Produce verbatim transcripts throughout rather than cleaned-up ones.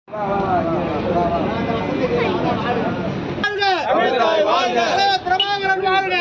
பிரபாகரன் வாழ்க,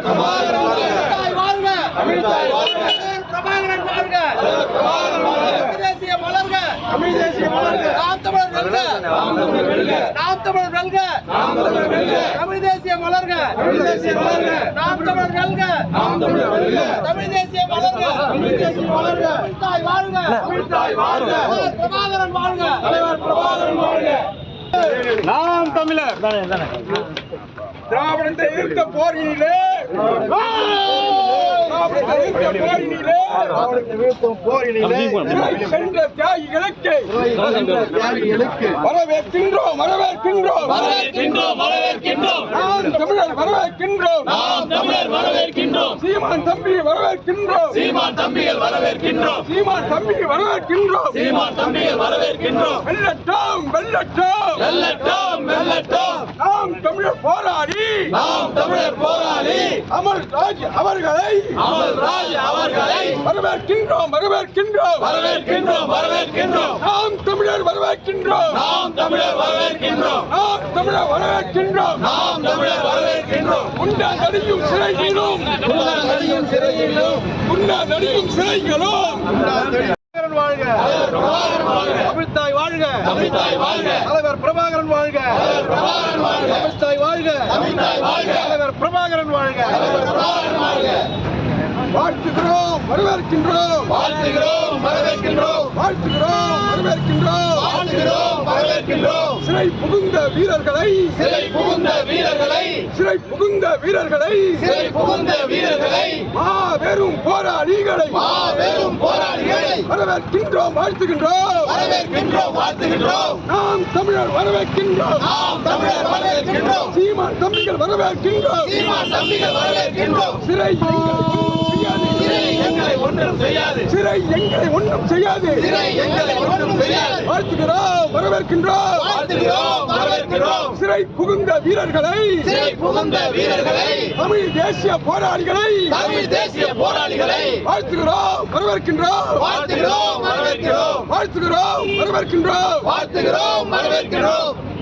பிரபாகரன் வாழ்க, தேசிய மலர்க, நாம் தமிழர் வெல்க, நாம் தமிழர் வெல்க, தமிழ் தேசிய மலர்க, நாம் தமிழர் வெல்க, தமிழ் தேசிய மலர்க, தாய் வாழ்க, பிரபாகரன் வாழ்க, பிரபாகரன் வாழ்க. நாம் தமிழர் திராவிடத்தை எதிர்த்த போரினிலே சென்ற தியாகிகளுக்கு வரவேற்கின்றோம் வரவேற்கின்றோம் வரவேற்கின்றோம் வரவேற்கின்றோம் நாம் தமிழர் வரவேற்கின்றோம் நாம் தமிழர் வரவேற்கின்றோம் சீமான் தம்பி வரவேற்கின்றோம் சீமான் தம்பிகள் வரவேற்கின்றோம் சீமான் தம்பி வரவேற்கின்றோம் சீமான் தம்பிகள் வரவேற்கின்றோம் வெல்லட்டும் வெல்லட்டும் வெல்லட்டும் வெல்லட்டும் நாம் தமிழர் போராடி நாம் தமிழர் போராளி அமர் ராஜ் அவர்களை அமல்ராஜ் அவர்களை வரவேற்கின்றோம் வரவேற்கின்றோம் வரவேற்கின்றோம் வரவேற்கின்றோம் நாம் தமிழர் வரவேற்கின்றோம் நாம் தமிழர் வரவேற்கின்றோம் நாம் தமிழர் வரவேற்கின்றோம் நாம் தமிழர் வரவேற்கின்றோம் உண்டா நடியும் சிறைகளும் நடியும் சிறையிலும் உண்டா நடியும் சிறைகளும் வாழ்க பிரபாகரன் வாழ்க தமிழ்த்தாய் வாழ்க தமிழ்த்தாய் வாழ்க தலைவர் பிரபாகரன் வாழ்க பிரபாகரன் வாழ்க தமிழ்த்தாய் வாழ்க தமிழ்த்தாய் வாழ்க தலைவர் பிரபாகரன் வாழ்க பிரபாகரன் வாழ்க வாழ்த்துகிறோம் வரவேற்கின்றோம் வாழ்த்துகிறோம் வரவேற்கின்றோம் வாழ்த்துகிறோம் வரவேற்கின்றோம் வாழ்த்துகிறோம் வரவேற்கின்றோம் சிறை புகுந்த வீரர்களை சிறை புகுந்த வீரர்களை சிறை புகுந்த வீரர்களை சிறை புகுந்த வீரர்களை மாபெரும் போராளிகளை மாபெரும் போராளிகளை வரவேற்கின்றோம் வாழ்த்துகின்றோம் வரவேற்கின்றோம் வாழ்த்துகின்றோம் நாம் தமிழர் வரவேற்கின்றோம் நாம் தமிழர் வரவேற்கின்றோம் சீமான் தம்பிகள் வரவேற்கின்றோம் சீமான் தம்பிகள் வரவேற்கின்றோம் சிறை சிறை எங்களை ஒன்றும் செய்யாது சிறை எங்களை ஒன்றும் செய்யாது சிறை எங்களை ஒன்றும் செய்யாது வாழ்த்துகிறோம் வரவேற்கின்றோம் வாழ்த்துகிறோம் வரவேற்கிறோம் சிறை புகுந்த வீரர்களை சிறை புகுந்த வீரர்களை தமிழ் தேசிய போராளிகளை தமிழ் தேசிய போராளிகளை வாழ்த்துகிறோம் வரவேற்கின்றோம் வாழ்த்துகிறோம் வரவேற்கிறோம் வாழ்த்துகிறோம் வரவேற்கின்றோம் வாழ்த்துகிறோம் வரவேற்கிறோம்